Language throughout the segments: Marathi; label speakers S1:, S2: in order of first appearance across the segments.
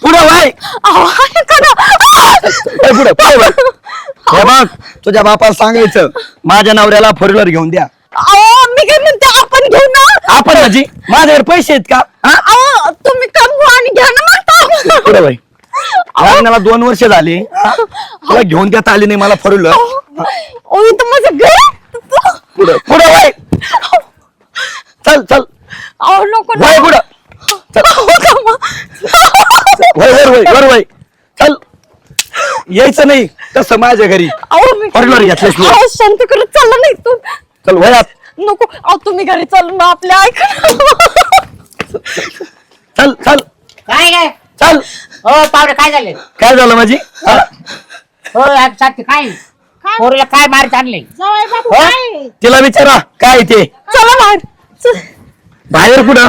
S1: पुढे वाय पुढे पुढे हे बघ तुझ्या बापाला सांगायचं माझ्या नवऱ्याला फोर व्हीलर घेऊन द्या.
S2: मी काय म्हणते आपण घेऊ ना.
S1: आपण माझी माझ्याकडे पैसे आहेत का?
S2: तुम्ही कमवा आणि घ्या ना म्हणता.
S1: पुढे बाई लग्नाला 2 वर्ष झाली तुला घेऊन देता आली नाही मला फोर व्हीलर.
S2: इथं माझं घर.
S1: पुढे पुढे बाई चल चल
S2: नको
S1: वय पुढं वय वय वर वय चल यायचं नाही तसं माझ्या घरी फोर व्हीलर घेतल्यास
S2: शांत करत चालला नाही तू.
S1: चल वयात
S2: नको तुम्ही घरी चालून मग आपल्या ऐका.
S1: चल चल
S3: काय काय
S1: चल.
S3: हो पावडे काय झाले?
S1: काय झालं माझी
S3: हो साथी काय पोरीला काय मार आणले?
S2: जावई बापू
S3: हो?
S2: काय?
S1: तिला विचारा काय ते
S2: चला बाहेर.
S1: बाहेर कुठं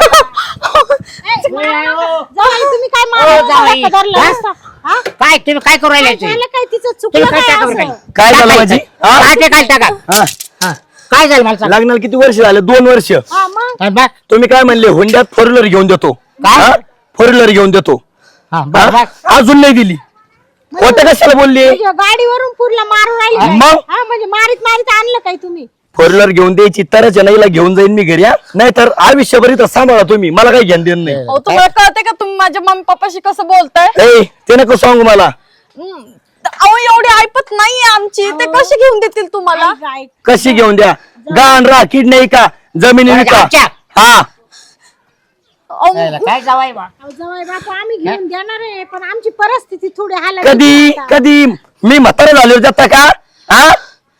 S2: जावई तुम्ही काय
S3: हो, जावई.
S2: मारायला धरलं
S3: हा?
S2: असतं? हा?
S3: काय तुम्ही काय करू राहिले?
S2: झालं काय तिचं
S3: तुम्ही
S2: चुकलं
S3: काय
S2: काय
S3: टाका बरं
S2: असं?
S1: काय झालं माझी
S3: काय टाका
S1: हा
S3: हा. काय झालं मला सांग.
S1: लग्नाला किती वर्ष झाले? 2 वर्ष.
S2: हा, मग?
S3: हा, बघ.
S1: तुम्ही काय म्हणले हुंड्यात फोर व्हीलर घेऊन देतो.
S3: काय?
S1: फोर व्हीलर घेऊन देतो.
S3: हा, बघ,
S1: हा?
S3: बघ.
S1: अजून नाही दिली. खोटं कशाला बोलली?
S2: म्हणजे गाडीवरून पुरला मारून राहिले काय?
S1: मग?
S2: हा, म्हणजे मारीत मारीत आणलं काय तुम्ही?
S1: फोर व्हीलर घेऊन द्यायची तरच नाहीला घेऊन जाईन मी घरी. नाही तर आयुष्यभर इथं सांभाळा तुम्ही मला काही घेऊन देणं नाही.
S2: तुम्हाला कळते का तुम्ही माझ्या मम्मी पप्पाशी कसं बोलताय?
S1: ए ते नको सांगू मला.
S2: एवढी ऐपत नाहीये आमची. ते कसे घेऊन देतील तुम्हाला?
S1: कशी घेऊन द्या? गाण रा किड नाही का जमिनी विका.
S3: आमच्या.
S1: हा
S3: काय जावाय बा?
S2: जावई बापू आम्ही घेऊन देणार आहे पण आमची परिस्थिती थोडी हालत
S1: कधी कधी मी म्हातारा झालो जाता का? हा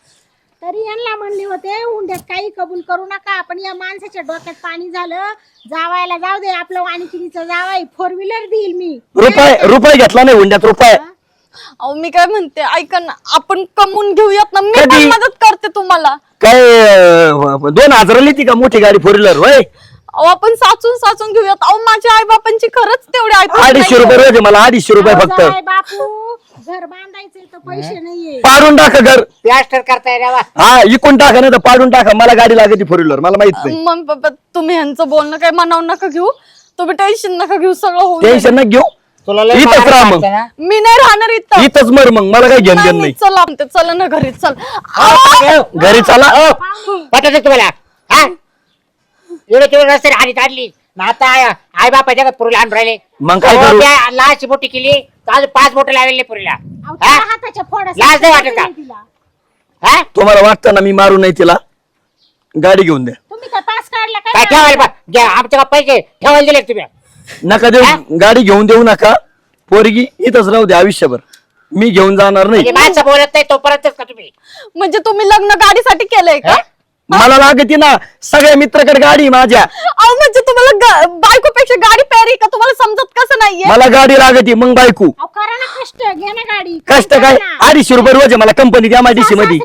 S2: तरी यांना म्हणले होते उंड्यात काही कबूल करू नका. पण या माणसाच्या डोक्यात पाणी झालं. जावायला जाऊ दे आपलं वाणिकिनीचं जावाई फोर व्हीलर देईल मी.
S1: रुपये घेतला नाही हुंड्यात रुपये.
S2: मी काय म्हणते ऐका ना आपण कमवून घेऊयात ना. मी
S1: कधी?
S2: पण मदत करते तुम्हाला.
S1: काय 2000 लिहिती का मोठी गाडी फोर व्हीलर वय?
S2: आपण साचून साचून घेऊयात. माझ्या आई बापांची खरंच तेवढे ऐपत
S1: 250 रुपये रोज आहे मला. 250 रुपये फक्त.
S2: बापू घर बांधायचे तर पैसे नाहीये.
S1: पाडून टाका घर.
S3: प्लास्टर करताय रे बा.
S1: हा इकून टाका नाही तर पाडून टाका. मला गाडी लागते फोर व्हीलर मला माहित नाही.
S2: मग पप्पा तुम्ही ह्यांचं बोलणं काही मनावून नका घेऊ. तुम्ही टेन्शन नका घेऊ. सगळं होऊन जाईल.
S1: टेन्शन न घेऊ.
S3: तुला लय
S1: इथंच
S3: मार
S1: राहा मग.
S3: लागतं ना?
S2: मी नाही राहणार इथं.
S1: इथंच मर मग मला काही घेणं
S2: नाही,
S1: देणं
S2: नाही,
S1: नाही.
S2: चला म्हणते चला ना घरी चल.
S1: घरी चला.
S3: पटत तुम्हाला हा एवढे तेवढे रस्ते हानी काढली ना आता आई बापाच्या का पुरीला आणून राहिले.
S1: मग काय करू?
S3: लाच मोठी केली तर अजून 5 बोट लावले पुरीला.
S2: अहो, त्या हाताच्या फोडा
S3: लाज नाही वाटत का?
S2: तिला.
S3: हा
S1: तुम्हाला वाटतं ना मी मारू नाही तिला? गाडी घेऊन द्या.
S2: तुम्ही काय पास काढला
S3: काय
S2: काय?
S3: ठेवायला घ्या आमच्या का पैसे ठेवायला दिले का तुम्ही?
S1: नका देऊ. गाडी घेऊन देऊ नका. पोरगी इथंच राहू दे आयुष्यभर. मी घेऊन जाणार नाही.
S3: म्हणजे माणसं बोलत नाही तोपर्यंतच का तुम्ही?
S2: म्हणजे तुम्ही लग्न गाडीसाठी केलंय का?
S3: हा?
S1: मला लागते ना सगळ्या मित्राकडे गाडी माझ्या.
S2: अहो म्हणजे तुम्हाला बायकोपेक्षा गाडी प्यारी का? तुम्हाला समजत कसं नाहीये?
S1: मला गाडी लागते मग बायको.
S2: अहो करा ना कष्ट घे ना गाडी.
S1: कष्ट काय? 250 रुपये रोज आहे मला कंपनीत एमआयडीसी मध्ये.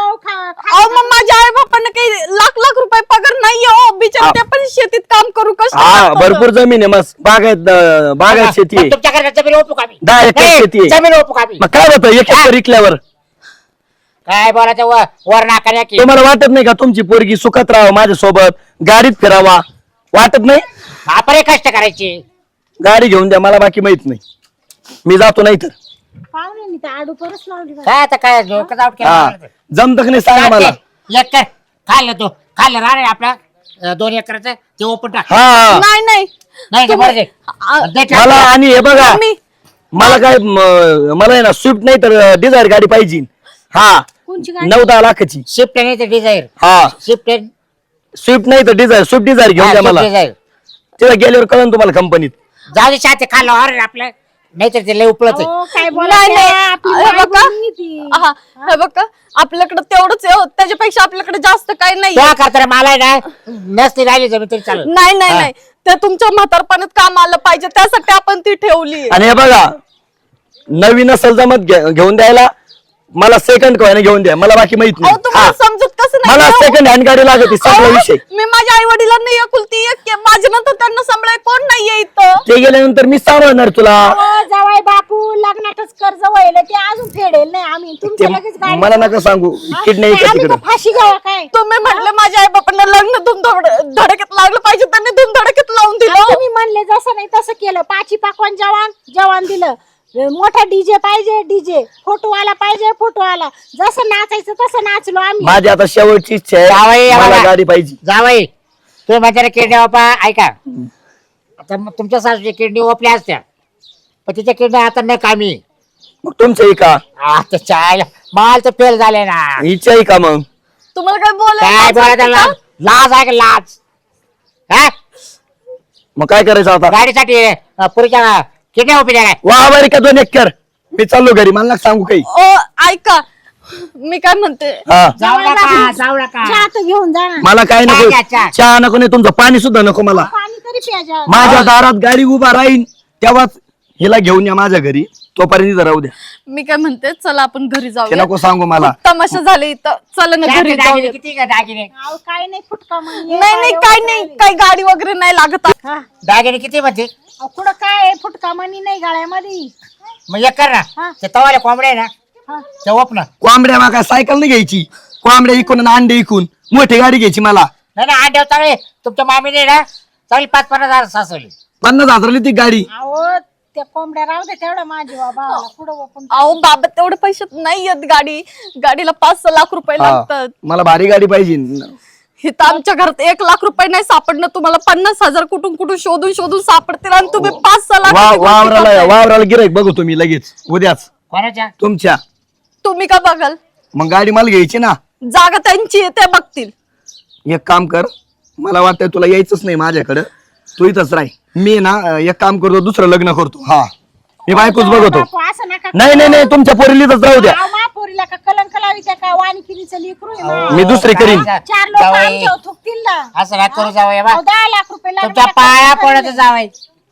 S2: अहो मग माझ्या आई बापांना काही लाख लाख रुपये पगार नाहीये. हो बिचारे ते पण शेतीत काम करू कष्ट
S1: हा
S2: करतात.
S1: भरपूर जमीन आहे मस्त. बागायत शेती आहे.
S3: मग तुमच्याकडे जमीन ओपू का मी?
S1: 10 एकर
S3: ए,
S1: शेती आहे.
S3: जमीन ओपू का मी?
S1: मग काय होतं 1 एकर विकल्यावर?
S3: काय बोलायचं वर नाकाऱ्या की
S1: तुम्हाला वाटत नाही का तुमची पोरगी सुखात राहावं माझ्या सोबत गाडीत फिरावा? वाटत नाही?
S3: आपण कष्ट करायचे.
S1: गाडी घेऊन द्या मला बाकी माहित नाही. मी जातो नाही तर.
S2: पाहुणे तर आडू परत लावली बा.
S3: काय आता काय डोकं आउट
S1: हा
S3: केलं.
S1: जमत नाही सांगा मला.
S3: एक कर खाल्लं तो खाल्लं राहणार आपला 2 एकरचं ते ओपन टाक.
S1: हा
S2: नाही नाही
S3: नाही का बरं दे. दे टाक.
S1: मला आणि हे बघा
S2: मी
S1: मला काय मला आहे ना स्विफ्ट नाही तर डिझायर गाडी पाहिजे. हा
S2: कोणची गाडी?
S1: 9-10 लाखाची.
S3: शिफ्ट नाही तर डिझायर.
S1: हा
S3: शिफ्ट
S1: स्विफ्ट नाही तर डिझायर. स्विफ्ट डिझायर घेऊन द्या मला.
S3: डिझायर
S1: तिला गेल्यावर कळन तुम्हाला कंपनीत.
S3: जाऊ दे शाते खाल्लं अरे आपलं नाहीतर ते लय उपलत आहे.
S2: अहो, काय
S4: नाही,
S2: बोलायचं?
S4: नाही.
S2: आपली
S4: हे
S2: बायको
S4: बघा.
S2: नाही ती. हा, हे बघा आपल्याकडे तेवढंच आहे हो. त्याच्यापेक्षा आपल्याकडे जास्त काही नाही.
S3: त्या करता मला आहे ना नसती राहिली जमीन तरी चालत.
S2: नाही नाही
S3: हा.
S2: नाही ते तुमच्या म्हातारपणात काम आलं पाहिजे त्यासाठी आपण ती ठेवली.
S1: आणि हे बघा नवीन असेल जमत घेऊन द्यायला मला सेकंड कॉइन घेऊन द्या मला बाकी माहित
S2: अहो
S1: नाही.
S2: तुम्हाला
S1: हा.
S2: समजत कसं नाही
S1: मला
S2: हो?
S1: सेकंड हँड गाडी लागते सगळा
S2: अहो,
S1: विषय.
S2: मी माझ्या आई वडिलांना एकुलती एक माझ्या नंतर त्यांना सांभाळाय कोण नाहीये इथं.
S1: ते गेल्यानंतर मी सांभाळणार तुला.
S4: जावाय बापू लग्नातच कर्ज व्हायला ते अजून फेडेल नाही आम्ही
S1: ते
S4: तुमच्या लगेच गाडी
S1: मला नका सांगू किडनी
S4: आम्ही
S1: येतं
S4: का
S1: तिकडं.
S4: फाशी घ्यावा काय
S2: तुम्ही म्हटले माझ्या आई बापांना लग्न धडकेत लागलं पाहिजे त्यांनी धडकेत लावून दिलं.
S4: तुम्ही
S2: म्हणले जसं नाही तसं केलं. पाची पाकवान जवान दिलं. मोठा डीजे पाहिजे डीजे, फोटोवाला पाहिजे फोटोवाला. जसं नाचायचं तसं नाचलो आम्ही.
S1: माझी आता शेवटची इच्छा
S3: जावई,
S1: आहे, मला
S3: आम्हाला-
S1: गाडी पाहिजे.
S3: जावई तुम्ही माझ्याकडे किडनी बापा ऐका. आता मग तुमच्या सासूची किडनी ओपल्या असत्या, पण तिच्या किडनी आता न कामी.
S1: मग तुमच्याही का
S3: आता चायला माल तर फेल झाले ना.
S1: इच्छाही का मग?
S5: तुम्हाला काय
S3: काय
S5: बोलायचं
S3: बोलायचं लाज लाज आहे का लाज? हा?
S1: मग काय करायचं आता?
S3: गाडीसाठी पुरीच्या किडनी ओपी द्या काय?
S1: वा बरी का 2 एकर मी चाललो घरी, मला नका सांगू काही.
S5: ओ ऐका, मी काय म्हणते,
S1: हा
S3: जाऊ नका जाऊ नका.
S2: चहा तर घेऊन जा ना.
S1: मला काय नको,
S3: चहा घ्या,
S1: चहा नको, नाही तुमचं पाणी सुद्धा नको मला.
S2: पाणी तरी प्याजा.
S1: माझ्या दारात गाडी उभा राहीन तेव्हाच हिला घेऊन या माझ्या घरी, तोपर्यंत इथं राहू द्या.
S5: मी काय म्हणते, चला आपण घरी
S1: ते
S5: जाऊया.
S1: नको सांगू मला.
S5: तमाशा झाले इथं, चला ना घरी
S3: दागिने
S5: जाऊया.
S3: किती का दागिने?
S2: अहो, काय नाही फुटका मग ये
S5: नाही नाही काय नाही, काही गाडी वगैरे नाही लागत.
S2: हा.
S3: दागिने किती म्हणते?
S2: अहो, कुठं काय आहे? फुटका मनी नाही गाळ्यामध्ये.
S3: मग एक कर
S2: हा.
S3: ना, ते तवाले कोंबडे आहे ना
S2: हा.
S3: ते ओप ना.
S1: कोंबड्या मग काय सायकल नाही घ्यायची, कोंबड्या इकून आणि अंडे इकून मोठी गाडी घ्यायची मला.
S3: नाही ना आड्यावर चांगले तुमच्या मामीने ना चांगली 5-50 हजार सासवली.
S1: 50,000 ती गाडी.
S2: अहो त्या कोंबड्या राहू दे तेवढं माझी बाबा पुढं ओपून.
S5: अहो बाबा, तेवढे पैसे नाही येत. गाडीला 5-6 लाख रुपये
S1: हा,
S5: लागतात.
S1: मला भारी गाडी पाहिजे.
S5: हे तर आमच्या घरात 1 लाख रुपये नाही सापडणं. तुम्हाला 50,000 कुठून कुठून शोधून सापडतील आणि तुम्ही 5-6 लाख
S1: वावराला गिराईक बघू तुम्ही लगेच उद्याच
S3: कोणाच्या?
S1: तुमच्या.
S5: तुम्ही का बघाल?
S1: मग गाडी मला घ्यायची ना.
S5: जागा त्यांची आहे, ते बघतील.
S1: एक काम कर, मला वाटतं तुला यायचंच नाही माझ्याकडं, तू इथंच राह. मी ना एक काम करतो, दुसरं लग्न करतो. हा, मी बायकोच बघतो.
S2: बापू, असं नका
S1: नाही नाही नाही, तुमच्या पोरीलीच राहू द्या.
S2: अहो, महापोरीला का कलंक लावी त्या का वाणिकिनीचं लेकरू आहे ना.
S1: मी दुसरी करीन.
S2: 4 लोक
S3: जावई,
S2: आमच्यावर थुकतील ना.
S3: असं काय करू जावई बा.
S2: अहो, 10 लाख रुपये
S3: तुमच्या
S2: लागले.
S3: पाया पडत जावई.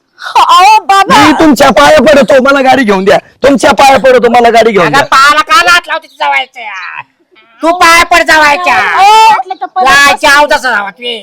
S5: अहो बाबा,
S1: मी तुमच्या पाया पडतो, मला गाडी घेऊन द्या. तुमच्या पाया पडतो, मला गाडी घेऊन
S3: अगं
S1: द्या.
S3: पायाला का लाट लावते तू जावायचं? तू पाया पड जावायच्या.
S2: वाटलं तर परत
S3: लाच्या अवदासा जावा तू.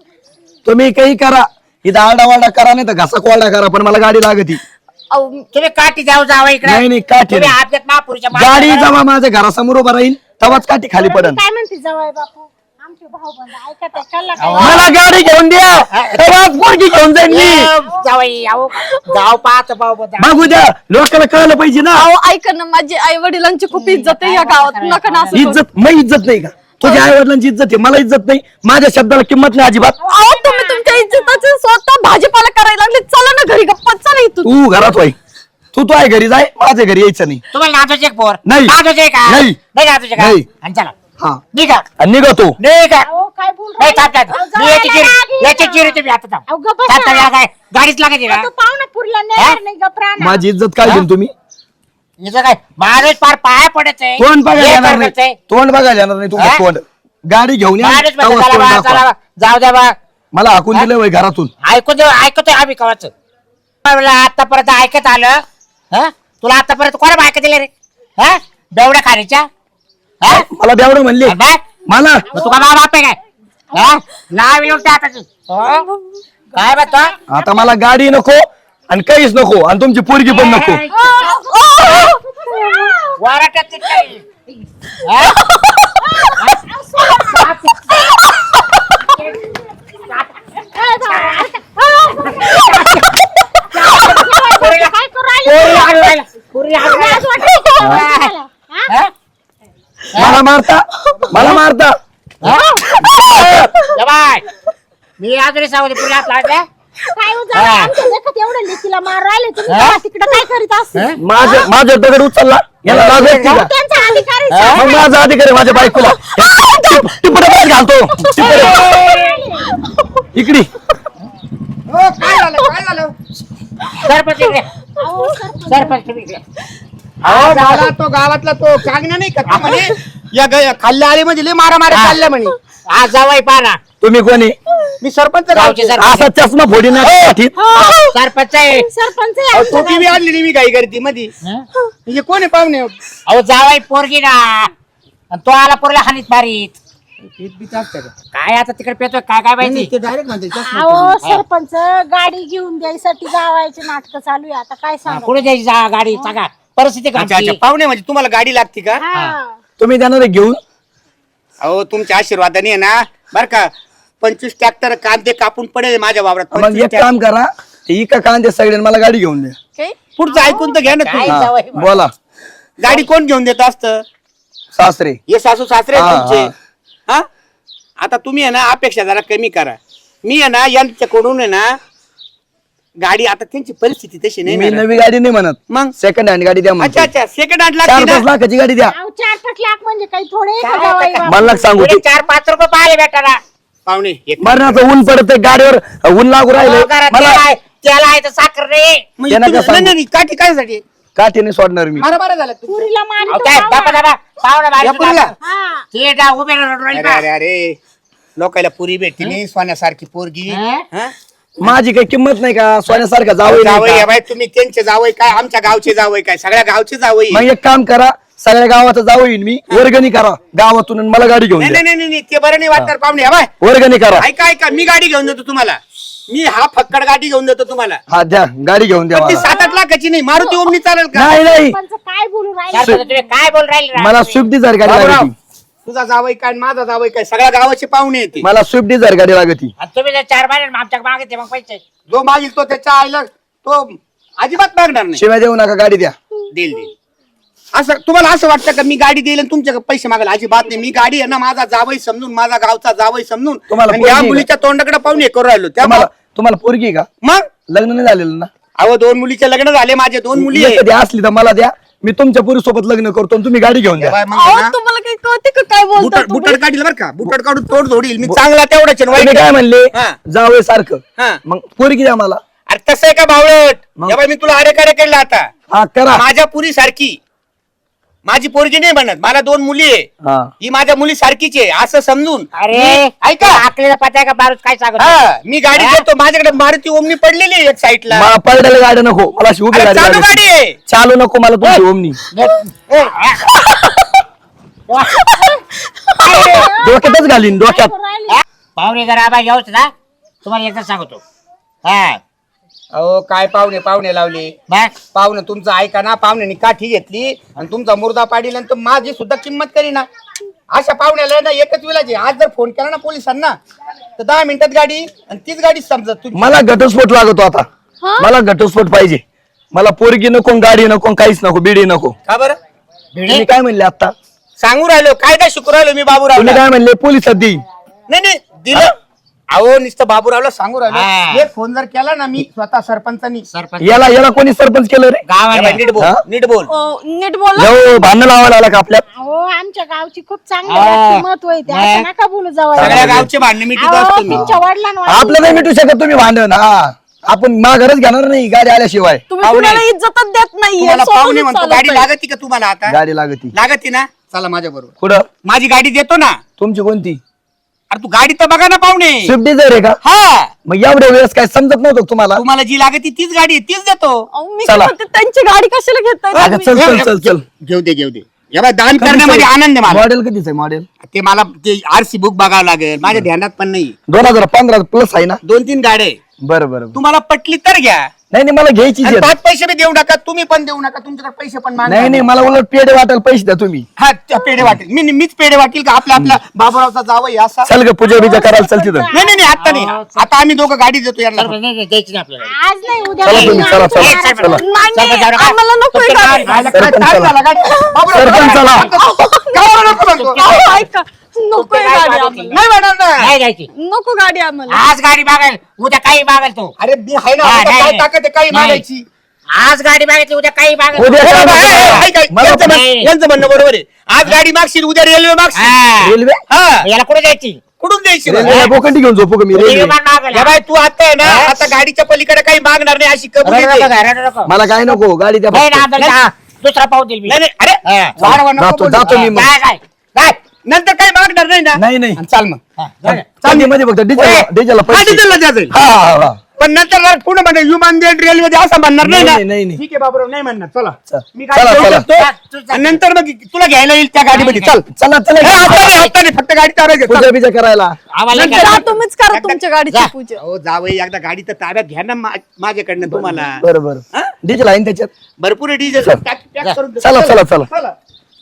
S1: तुम्ही काही करा, इथं आरडावारडा करा, नाही तर घासा कोरडा करा, पण मला गाडी लागती.
S5: अहो,
S3: तुम्ही काठी जाऊ जावा इकडे.
S1: नाही नाही, काठी
S3: तुम्ही
S1: नाही.
S3: आपल्यात महापुरुषच्या
S1: गाडी
S3: मागे
S1: जेव्हा माझ्या घरासमोर उभा राहील तेव्हाच काठी खाली
S2: मी
S1: पडन.
S2: काय म्हणते जवळ बापू, आमचे भाऊ बंद ऐकत आहे कल्ला काय.
S3: अहो.
S1: मला गाडी घेऊन द्या, तेव्हाच पोरगी घेऊन जाईन मी.
S3: जावाई अहो गाव पाहत भाऊ बद्दल.
S1: बघू द्या, लोकांना कळलं पाहिजे ना.
S5: अहो ऐका ना, माझी आई वडिलांची खूप इज्जत आहे या गावात. नका ना असं करू.
S1: इज्जत मग इज्जत नाही का? तुझ्या आई वडिलांची इज्जत आहे, मला इज्जत नाही. माझ्या शब्दाला किंमत नाही अजिबात.
S5: अहो तुम्ही तुमच्या इज्जताचे स्वतः भाजीपाला करायला लागले. चला ना घरी, गप्पा चला इथून.
S1: तू घरात होय, तू आहे घरी जाय, माझ्या घरी यायचं नाही.
S3: तुम्हाला नाचवायचे एक पोर?
S1: नाही.
S3: नाचवायचे का?
S1: नाही.
S3: नाही नाचवायचे का?
S1: नाही.
S3: आणि चला
S1: हा,
S3: निघा
S1: आणि निघा तू.
S3: निघा.
S2: अहो, काय बोल
S3: नाही
S2: राहिले?
S3: थांब
S2: अहो,
S3: मी याची
S2: जायला
S3: चिरी
S2: लागली
S3: याची
S2: ना.
S3: चिरी तुम्ही आता थांब.
S2: अहो, गप्प
S3: थांब,
S2: बसा.
S3: थांब, काय गाडीच लागायची ना.
S2: तू पाहुणा पुरला नेणार नाही गप्राना.
S1: माझी इज्जत काय घेऊन तुम्ही?
S3: हिचं काय माणूस पार पाया पडत आहे.
S1: तोंड बघायला
S3: हे
S1: येणार
S3: करत आहे.
S1: नाही, तोंड बघायला येणार नाही तुमचं
S3: हा?
S1: तोंड. गाडी घेऊन या,
S3: माणूस म्हणतो,
S1: तेव्हाच
S3: चला
S1: तोंड
S3: बा,
S1: दाखवा.
S3: चला बा. जाऊ द्या बा.
S1: मला हाकून दिलं वय घरातून.
S3: ऐकतोय आम्ही कवाच. आतापर्यंत ऐकत आलं. हा? तुला आतापर्यंत कोणा ऐकत दिलं रे? हा? बेवड्या खाण्याच्या. हा?
S1: मला बेवडं म्हणले
S3: आणि बाय?
S1: मला.
S3: मग तुका बाप आहे काय? हा? लाव येऊन टाका तू. हो? काय म्हणतो?
S1: आता मला गाडी नको आणि काहीच नको, आणि तुमची पोरगी पण नको.
S3: वाराटात ते काही. हा?
S2: काय करू राहिले?
S3: पोरी हाणू राहिला. पोरी हाणू राहिला.
S2: लाज वाटते का तुम्हाला? हा?
S3: हा?
S1: मला मारता.
S3: या बाय. मी अजूनही सांगते पुढे हात लावला.
S2: काय हो जावई, आमच्या देखत एवढं लेकीला मार राहिले तुम्ही
S3: हा?
S2: तेव्हा तिकडं काय करीत असते?
S1: माझ्या दगड उचलला, याला लाज वाटते का?
S2: त्यांचा अधिकार आहे.
S1: मग माझा अधिकार आहे माझ्या बायकोला. टिपडे घालतो इकडे.
S3: सरपंच इकडे.
S2: अहो, सरपंच.
S3: सरपंच तुम्ही इकडे.
S6: अहो मला तो गावातला तो कागना नाही का तो म्हणे या खाल्ल्या आली म्हणजे लय मारामारी चालल्या म्हणे.
S3: आज जावाई पाहा.
S1: तुम्ही कोणी?
S6: मी सरपंच
S3: गावचे
S6: गावचे
S3: सरपंच.
S1: असा चष्मा फोडी ना पाठीत.
S3: सरपंच आहे.
S2: सरपंच आहे
S6: अहो,
S2: आमचा.
S6: टोपी बी आणली मी काही करते मध्ये. म्हणजे कोण आहे पाहुणे?
S3: अहो जावाई पोरगी ना. आणि तो आला पोरला हानीत मारीत. काय आता तिकडे पेतोय काय काय माहिती.
S6: ते डायरेक्ट म्हणते चष्मा.
S2: अहो सरपंच गाडी घेऊन द्यायसाठी जावायचे नाटक चालू आहे आता काय सांगा.
S3: कुठे द्यायची गाडी सांगा. परिस्थिती
S6: अच्छा अच्छा
S3: घडची.
S6: पाहुणे म्हणजे तुम्हाला गाडी लागते का?
S2: हा.
S1: तुम्ही देणार आहे घेऊन?
S6: अहो तुमच्या आशीर्वादाने आहे ना बर का 25 ट्रॅक्टर कांदे कापून पडेल माझ्या वावरात.
S1: मग
S6: 25
S1: एक काम करा, ही का कांदे सगळे मला गाडी घेऊन द्या.
S5: काय
S6: पुढचं ऐकून तर घ्या ना
S3: काय
S6: तू.
S1: हा,
S3: जावई बा.
S1: बोला
S6: गाडी कोण घेऊन देत असतं?
S1: सासरे.
S6: हे सासू सासरे आहेत
S1: हा,
S6: तुमचे. हा आता तुम्ही आहे ना अपेक्षा जरा कमी करा. मी आहे ना यांच्याकडून आहे ना गाडी, आता त्यांची परिस्थिती तशी नाही
S1: मी
S6: ना.
S1: नवी गाडी नाही म्हणत,
S6: मग
S1: सेकंड हँड गाडी द्या म्हणतो.
S6: अच्छा सेकंड हँड
S1: 4-5
S6: लागते ना.
S1: लाखाची गाडी द्या.
S2: अहो, 4-5 लाख म्हणजे काही थोडे आहे का
S3: काय
S2: जावई
S3: आता
S2: बापू?
S1: मला सांगू
S3: पुढे
S1: तू
S3: 4-5 रुपये पाहिले भेटायला
S6: पाहुणे एक
S1: मरणाचं ऊन पडत गाडीवर, ऊन लागू राहिले मला.
S3: त्याला आहे तर साखर रे
S6: म्हणजे
S1: त्यांना
S6: तुम्ही-
S1: काय सांगू?
S6: नाही काठी काय साठी
S1: काठीने सोडणार मी.
S6: बरं झालं तू.
S2: पुरीला मारी
S3: अहो,
S2: तो
S3: काय
S2: पाहुणा.
S3: बाबा पाहुणा
S6: या पुरीला?
S2: हा.
S3: ते जा उभे राहिली
S6: अरे अरे अरे लोकायला पुरी भेटती नाही सोन्यासारखी पोरगी.
S3: हा?
S6: हा?
S1: माझी काही किंमत नाही का सोन्यासारखा जावई नाही
S6: जावई
S1: का?
S6: आहे बाई, तुम्ही त्यांचे जावई काय, आमच्या गावचे जावई काय, सगळ्या गावचे जावई.
S1: मग एक काम करा, सगळ्या गावाचं जावई मी वर्गणी करा गावातून आणि मला गाडी घेऊन
S6: नाही
S1: द्या.
S6: नाही नाही नाही, ते बरं नाही वाटणार पाहुणे. हा बाय
S1: वर्गणी करा.
S6: ऐका ऐका, मी गाडी घेऊन देतो तुम्हाला. मी हा फक्कड गाडी घेऊन देतो तुम्हाला.
S1: हा द्या, गाडी घेऊन द्या
S6: पण ती
S1: मला.
S6: 7-8 लाखाची नाही, मारुती ओमनी चालेल का?
S1: नाही नाही,
S2: सरपंच काय बोलू राहिले?
S3: चार पाच तुम्ही काय बोल राहिले
S1: मला स्विफ्ट डिझायर गाडी
S6: बाबूराव,
S1: लागती.
S6: तुझा जावई काय आणि माझा जावई काय, सगळ्या गावाचे पाहुणे येते.
S1: मला स्विफ्ट डिझायर गाडी लागती.
S3: आणि तुम्ही जर 4 महिने आमच्या मागितले मग पैसे
S6: जो मागील तो त्याच्या आईला तो अजिबात मागणार नाही.
S1: शिवाय देऊ नका, गाडी द्या.
S6: देईल देईल. असं तुम्हाला असं वाटतं का मी गाडी देईल आणि तुमच्याकडे पैसे मागायला? अजिबात नाही. मी गाडी आहे ना माझा जावई समजून, माझा गावचा जावई समजून,
S1: तुम्हाला
S6: आणि
S1: पोरगी
S6: या
S1: आहे का?
S6: मुलीच्या तोंडाकडे पाहून हे करू राहिलो.
S1: तुम्हाला
S6: त्या
S1: तुम्हाला पोरगी आहे का?
S6: मग
S1: लग्न नाही झालेलं ना?
S6: अहो 2 मुलीचे लग्न झाले, माझे 2 मुली आहे.
S1: कधी असली तर मला द्या, मी तुमच्या पुरी सोबत लग्न करतो आणि तुम्ही गाडी घेऊन द्या.
S6: तेव्हा मग
S5: अहो
S6: ना,
S5: तुम्हाला काही कळते का काय बोलता
S6: बुटाड
S5: तुम्ही?
S6: बुटाड काढील बरं का, बुटाड काढून तोड जोडील मी चांगला तेवढाच आहे, वाईट
S1: तुम्ही काय म्हणले
S6: हा.
S1: जावई सारखं,
S6: हा.
S1: मग पोरगी द्या मला.
S6: अरे तसं आहे का बावळट?
S1: मग?
S6: तेव्हा मी तुला अरे केला आता.
S1: हा करा.
S6: माझ्या पुरी सारखी माझी पोरगी नाही म्हणत, मला 2 मुली आहे,
S1: हा
S6: ही माझ्या मुली सारखीच आहे असं समजून.
S3: अरे
S6: मी- ऐका
S3: आकलेला पत्या का बारूच काय सांगत
S6: हा, मी गाडी देतो, माझ्याकडे मारुती ओमनी पडलेली आहे एक साईडला.
S1: मला पडलेली गाडी नको, मला अशी उभी
S6: अरे
S1: गाडी
S6: चालू
S1: लागती.
S6: गाडी आहे.
S1: चालू नको मला तुमची ओमनी. डोक्यातच घालीन, डोक्यात.
S3: पाहुणे जर आबा घेऊच ना तुम्हाला एकदा सांगतो. हा
S6: अहो काय पाहुणे लावले.
S3: बस
S6: पाहुणे तुमचं ऐका ना, पाहुण्यानी काठी घेतली आणि तुमचा मुर्दा पाडील आणि तो माझी सुद्धा किंमत करी ना. अशा पाहुण्याला ना एकच विलाज आहे, आज जर फोन केला ना पोलिसांना तर 10 मिनिटात गाडी, आणि तीच गाडी समजत तुमची.
S1: मला घटस्फोट लागतो आता. मला घटस्फोट पाहिजे. मला पोरगी नको, गाडी नको, काहीच नको, बिडी नको.
S6: का बरं
S1: तुम्ही काय म्हणले आता?
S6: सांगू राहिलो, कायदा शिकू राहिलो मी बाबूराव.
S1: तुम्ही काय म्हणले पोलिसात देईन?
S6: नाही दिलं. अहो नुसतं बाबूरावला सांगू राहिलो.
S3: हा.
S6: एक फोन जर केला ना मी स्वतः सरपंचानी.
S3: सरपंच
S1: याला कोणी सरपंच केलं रे?
S3: गावाला
S6: नीट बोल
S1: हा?
S6: नीट बोल.
S5: नीट बोला.
S1: जाऊ भांडण लावायला आला का आपल्यात?
S2: अहो आमच्या गावची खूप चांगली
S3: हा.
S2: व्यक्तिमत्व आहे ते.
S3: नाही.
S2: असं नका बोलू जावई.
S6: सगळ्या गावचे भांडण मिटित
S2: अहो,
S6: असतो मी.
S2: तुमच्या वडिलांना
S1: आपलं नाही मिटू शकत तुम्ही भांडण. हा आपण माघारच घेणार नाही गाडी आल्याशिवाय.
S5: तुम्ही
S6: पाहुणे.
S5: कुणाला इज्जतच देत नाहीये.
S6: तुम्हाला
S5: स्वतःच
S6: पाहुणे म्हणतो,
S5: चालत
S6: गाडी
S5: नाही.
S6: लागती का तुम्हाला आता?
S1: गाडी लागती.
S6: लागती ना, चला माझ्या बरोबर.
S1: कुठं?
S6: माझी गाडी देतो ना.
S1: तुमची कोणती?
S6: अरे तू गाडी तर बघा ना पाहुणे.
S1: स्विफ्ट डिझायर आहे का?
S6: हा,
S1: मग एवढ्या वेळेस काय समजत नव्हतं का तुम्हाला?
S6: तुम्हाला जी लागती तीच गाडी आहे, तीच देतो.
S5: अहो, मी
S1: चला.
S5: काय म्हणते, त्यांची गाडी कशाला घेताय
S1: अगं,
S5: तुम्ही?
S1: चल चल.
S6: घेऊ दे. या बाय, दान करण्यामध्ये आनंद आहे मला.
S1: मॉडेल कधीच आहे मॉडेल?
S6: ते मला ते आरसी बुक बघावं लागेल, माझ्या ध्यानात पण नाही.
S1: 2015 प्लस आहे ना?
S6: 2-3 गाड्या आहे.
S1: बरं बरं.
S6: तुम्हाला पटली तर घ्या.
S1: नाही मला घ्यायची
S6: आणि 5 पैसे बी देऊ नका, तुम्ही पण देऊ नका, तुमच्याकडे पैसे पण मागा.
S1: नाही मला उलट पेढे वाटायला पैसे द्या तुम्ही.
S6: हा, त्या पेढे वाटेल, मीच पेढे वाटेल का आपला बाबूरावचा जावई असा?
S1: चल ग पूजा बिजा करायला चल तिथं.
S6: नाही आता नाही, आता आम्ही दोघं गाडी देतो यांना.
S3: सरपंच नाही द्यायची नाही आपल्याला.
S2: आज नाही उद्या
S1: चला तुम्ही, चला
S2: आमच्या
S1: चला
S2: घरात
S1: चला.
S5: नाही, आम्हाला नको ही गाडी.
S6: राहिला काय
S1: सरपंच
S6: time
S1: चला.
S6: झाला गाडी. बाबूराव,
S1: सरपंच चला.
S6: गावाला नको म्हणतो.
S5: अहो, ऐका. नको ही गाडी आम्हाला.
S6: नाही मॅडम ना.
S3: नाही द्यायची.
S5: नको गाडी आम्हाला.
S3: आज गाडी मागेल उद्या काही मागेल तू.
S6: अरे मी आहे ना,
S3: हा,
S6: आता
S3: नाही,
S6: काय
S3: नाही.
S6: ताकद आहे काही
S3: नाही.
S6: मागायची.
S3: आज गाडी मागितली उद्या काही मागेल.
S1: उद्या
S6: हे
S1: काय
S6: बाबा,
S1: मागणार?
S6: ऐक, ऐक,
S1: मला
S6: यांचं
S1: पण-
S6: म्हण- यांचं म्हणणं बरोबर आहे. आज गाडी मागशील, उद्या रेल्वे मागशील.
S3: हा.
S1: रेल्वे
S6: हा,
S3: याला कुठे जायची?
S6: कुठून द्यायची
S1: रेल्वे बोकंडी घेऊन झोपू का मी? रेल्वे
S3: विमान मागेल.
S6: या बाई, तू आता आहे ना, आता गाडीच्या पलीकडे काही मागणार नाही अशी कबुली
S3: रडू
S6: दे.
S3: नका, रडू नका.
S1: मला काय नको, गाडी द्या
S3: नाही
S1: फक्त.
S3: ना, आपल्याला हा, दुसरा पाहू देईल मी.
S6: नाही नाही, अरे
S3: हा.
S6: वाढवा नको बोलू.
S1: जातो मी मग.
S3: काय काय
S6: नंतर काही मागणार नाही ना.
S1: नाही
S6: चाल मग.
S1: चांदी मध्ये फक्त डिझेलला
S6: हा,
S1: पैसे.
S6: डिझेलला द्या जाईल.
S1: हा.
S6: पण नंतर पुढे म्हणजे विमान दे रेल्वे दे असं म्हणणार नाही ना.
S1: नाही.
S6: ठीक आहे बाबूराव, नाही म्हणणार. चला
S1: चल.
S6: मी गाडी
S1: चला,
S6: घेऊन
S1: चला.
S6: येतो. आणि नंतर मग तुला घ्यायला येईल त्या गाडीमध्ये. चल
S1: चला
S6: ए, आता नाही, आता नाही, फक्त गाडी ताब्यात घे. चल.
S1: पूजा बिजा करायला.
S3: आम्हाला
S6: नंतर-
S5: जा, तुम्हीच करा तुमच्या गाडीची
S3: जा.
S5: पूजा.
S6: अहो जावई, एकदा गाडी तर ताब्यात घ्या ना माझ्याकडनं तुम्हाला.
S1: बरं
S6: हा?
S1: डिझेल आहे ना त्याच्यात.
S6: भरपूर डिझेल
S1: चल.
S6: पॅक करून दे.
S1: चला.
S6: चला.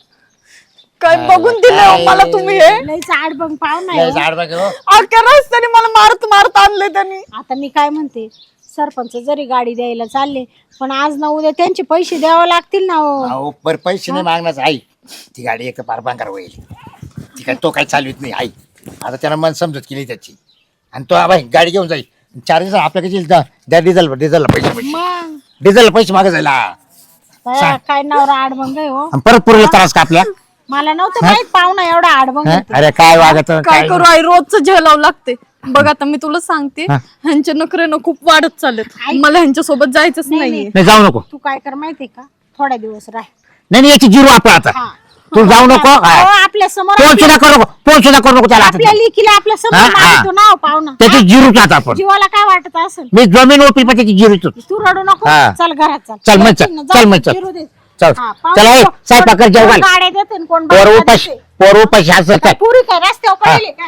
S5: काय बघून दिलं हो मला तुम्ही हे?
S2: लईच आडबंग पाहुणा
S3: लय
S2: आहे.
S3: झाड बघ हो.
S5: अख्ख्या रस्त्याने मला मारत आणले त्यांनी.
S2: आता मी काय म्हणते, सरपंच जरी गाडी द्यायला चालले पण आज ना उद्या त्यांचे पैसे द्यावे लागतील ना हो.
S3: अहो पर पैसे नाही मागणार आई, ती गाडी एक पार भांगार होईल, ती काय तो काही चालवित नाही आई. आता त्यानं मन समजत केली त्याची, आणि तो बाई गाडी घेऊन जाईल 4 दिवस आपल्याकडे द्या डिझेलला पैसे
S2: मग
S3: डिझेलला पैसे मागे जायला,
S2: काय नवरा आडमंग आहे हो.
S3: आणि परत पुरेला त्रास का आपल्या.
S2: मला नव्हतं माहित पाहुणा एवढा आडमंग
S3: हं?
S2: आहे.
S3: अरे काय वागत
S5: काय करू आई, रोजचं झेलावं लागते. बघ आता मी तुला सांगते, ह्यांचे नखरे खूप वाढत चाललेत. मला ह्यांच्या सोबत जायचंच नाहीये.
S3: नाही जाऊ नको.
S2: तू काय कर माहितीये का, थोड्या दिवस राह.
S3: नाही याची जिरू आपला आता,
S2: हा.
S3: तू जाऊ नको.
S2: हो, आपल्या समोर
S3: फोन सुद्धा करू नको, फोन सुद्धा करू नको त्याला आता.
S2: आपल्या लेकीला आपल्या समोर
S3: हा, हा.
S2: मारतो ना हो पाहुणा.
S3: त्याची जिरूच आता आपण,
S2: जीवाला काय वाटत असेल.
S3: मी जमीन ओपी पण त्याची जिरूच.
S2: तू रडू नको,
S3: हा.
S2: चल घरात चल.
S3: चल मग,
S2: येतील ना,
S3: चल
S2: जाऊ
S3: मग,
S2: दे,
S3: चल.
S2: जिरू दे.
S3: चल
S2: हा,
S3: चला
S2: पाहुणे,
S3: स्वयंपाक कर, जेवण
S2: कोण
S3: घाल.
S2: गाड्या देते आणि कोण
S3: पोर
S2: बाया
S3: उपाशी
S2: देते.
S3: पोर उपाशी असं
S2: काय पुरी काय रस्त्यावर पडले काय.